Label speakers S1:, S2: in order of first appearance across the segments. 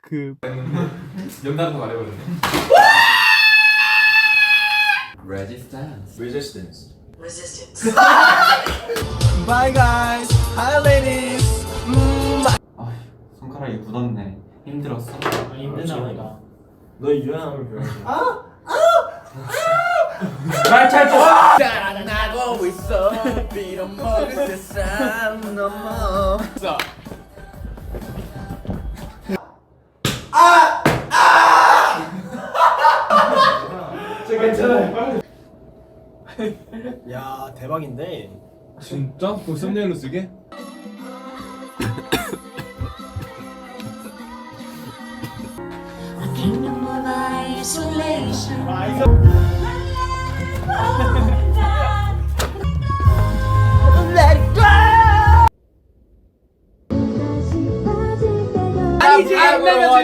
S1: 그
S2: 연달아서 말해버렸네.
S3: Resistance.
S1: Bye guys, hi ladies.
S2: 아, 손가락이 굳었네. 힘들었어?
S3: 힘드나 보다. 너 유연함을 배워야지.
S1: 나고 있어. 빌어먹을 세상 넘어.
S3: 괜찮아요. 야 대박인데.
S2: 진짜? 그럼 썸네일로 쓰게?
S4: Kingdom of isolation.
S1: Let it go. 아니지 안 내면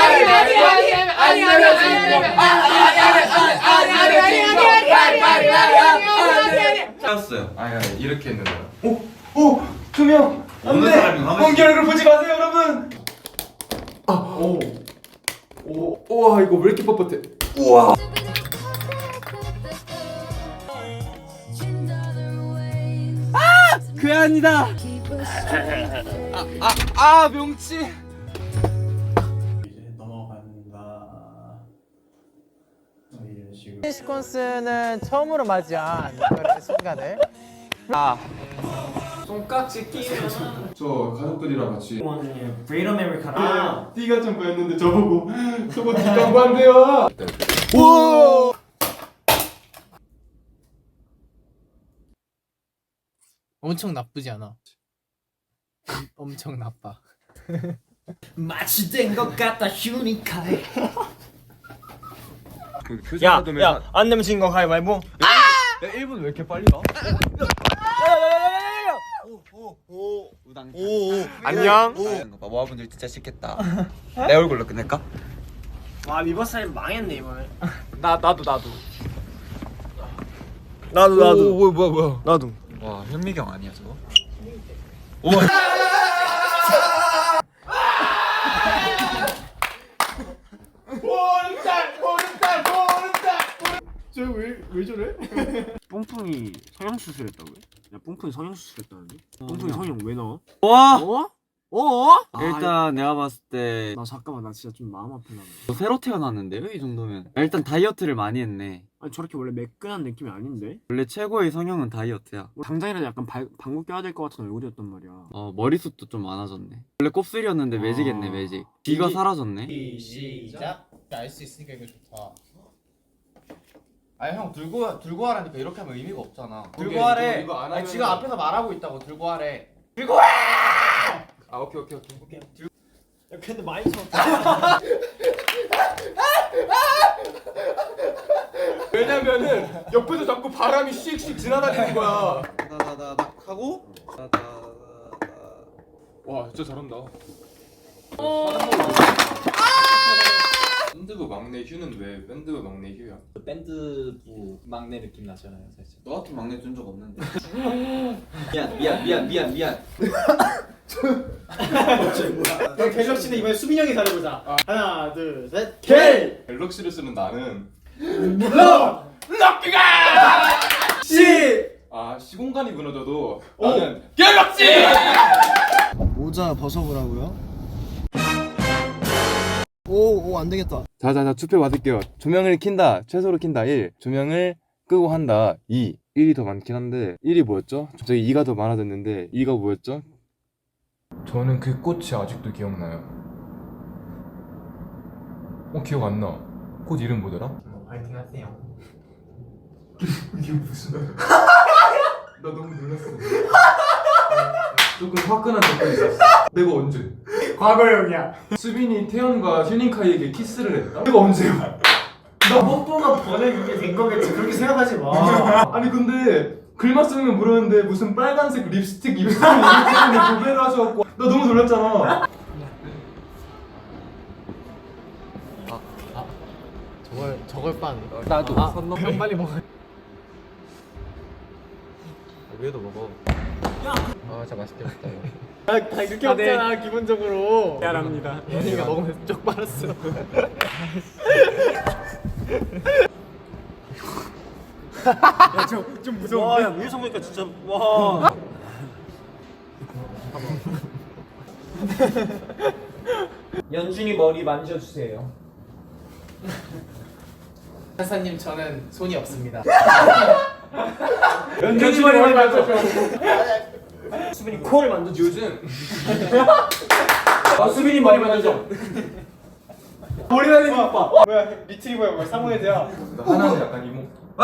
S2: 았어요. 아니 이렇게 했는데.
S3: 오! 2명!
S2: 어느 사람이
S3: 공기 얼굴 보지 마세요 여러분!
S2: 우와 이거 왜 이렇게 뻣뻣해?
S1: 그 아니다. 명치.
S3: 이제 넘어간다. 이런 식으로.
S1: 시퀀스는 처음으로 맞이한 그런 순간을. 손깍지 끼면.
S2: 저 가족들이랑 같이.
S3: 브레이드 아메리카노.
S2: 띠가 좀 보였는데 저보고 저거 띠 광고한대요.
S1: 오. 엄청 나쁘지 않아. 엄청 나빠.
S3: 마치 된 것 같다 휴니카이.
S5: 야, 안 내면 진 거 가위바위보.
S2: 야 1분 왜 이렇게 빨리 가?
S5: 안녕.
S6: 모아분들 진짜 싫겠다. 내 얼굴로 끝낼까?
S5: 와, 리버사이드 망했네 이번에.
S1: 나도.
S5: 나도.
S6: 뭐야?
S5: 나도.
S6: 와 현미경 아니야 저거?
S2: 쟤왜 저래?
S5: 뽕풍이 성형 수술했다고요? 야, 뽕풍이 성형 수술했다는데? 뽕풍이 성형 왜 넣어?
S6: 와
S5: 어?
S6: 일단 내가 봤을 때
S5: 나 잠깐만, 나 진짜 좀 마음 아프다.
S6: 새로 태어났는데요 이 정도면. 일단 다이어트를 많이 했네.
S5: 아니 저렇게 원래 매끈한 느낌이 아닌데?
S6: 원래 최고의 성형은 다이어트야.
S5: 당장이라도 약간 방구 껴야 될 것 같은 얼굴이었단 말이야.
S6: 머리숱도 좀 많아졌네. 원래 곱슬이었는데 매직했네 매직. 뒤가 사라졌네.
S3: 시작.
S1: 알 수 있으니까 이거 좋다.
S7: 아니 형 들고 하라니까 이렇게 하면 의미가 없잖아.
S2: 오케이,
S7: 들고 하래.
S2: 이거 안
S7: 아니
S2: 하면은-
S7: 지금 앞에서 말하고 있다고 들고 하래.
S2: 아 오케이.
S5: 야, 근데 많이 쳤다.
S2: 왜냐면은 옆에서 자꾸 바람이 씩씩 지나다니는 거야.
S6: 다다다닥 하고
S2: 와 진짜 잘한다. 밴드부 막내 휴는 왜 밴드부 막내 휴야?
S3: 밴드부 막내 느낌 나잖아요 사실.
S6: 너 같은 막내 준 적 없는데.
S3: 미안. 그럼 갤럭시는 이번에 수빈 형이 잘해보자. 하나 둘 셋. 갤.
S2: 갤럭시를 쓰는 나는 시공간이 무너져도 나는 갤럭시!
S3: 모자 벗어보라고요? 오 안 되겠다.
S2: 자자자 투표 받을게요. 조명을 킨다. 최소로 킨다. 1. 조명을 끄고 한다. 2. 1이 더 많긴 한데 1이 뭐였죠? 갑자기 2가 더 많아졌는데 2가 뭐였죠? 저는 그 꽃이 아직도 기억나요. 기억 안 나. 꽃 이름 뭐더라?
S3: 파이팅 하세요.
S2: 이게 무슨 나 너무 놀랐어. 조금 화끈한 댓글이 있었어. 내가 언제?
S3: 과거형이야.
S2: 수빈이 태연과 휴닝카이에게 키스를 했다? 내가 언제야?
S3: 너 뽀뽀가 보내게 된 거겠지. 그렇게 생각하지 마.
S2: 아니 근데 글만 쓰면 모르는데 무슨 빨간색 립스틱 입술을 이렇게 고배를 하셔갖고 나 너무 놀랐잖아.
S1: 저걸 빤.
S6: 나도
S1: 형 빨리 먹어.
S6: 위에도 먹어.
S2: 아 진짜 맛있겠다 이거.
S1: 다 이렇게 먹잖아 기본적으로.
S5: 미안합니다.
S1: 얘가 먹으면서 쪽 빨았어.
S5: 좀 무서운데? 와, 야, 위에서 보니까 진짜 와. 연준이 머리 만져주세요.
S1: 판사님 저는 손이 없습니다.
S5: 연준이 머리 만져줘. 수빈이 코를 만져줘. 요즘. 수빈이 머리 만져줘.
S3: 머리 날리는 거 봐. 뭐야 리트리버야 뭐야 사모예드야.
S2: 하나는 약간 이모.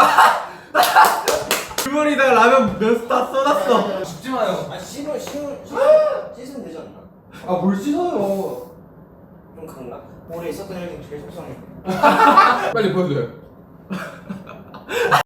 S7: 주머니에다가 라면 몇 스타 쏟았어.
S2: 죽지 마요.
S5: 씻으면 되지 않나?
S2: 뭘 씻어요.
S5: 좀 강나? 올해 있었던 일 중에 제일 속상해.
S2: 빨리 보여줘요.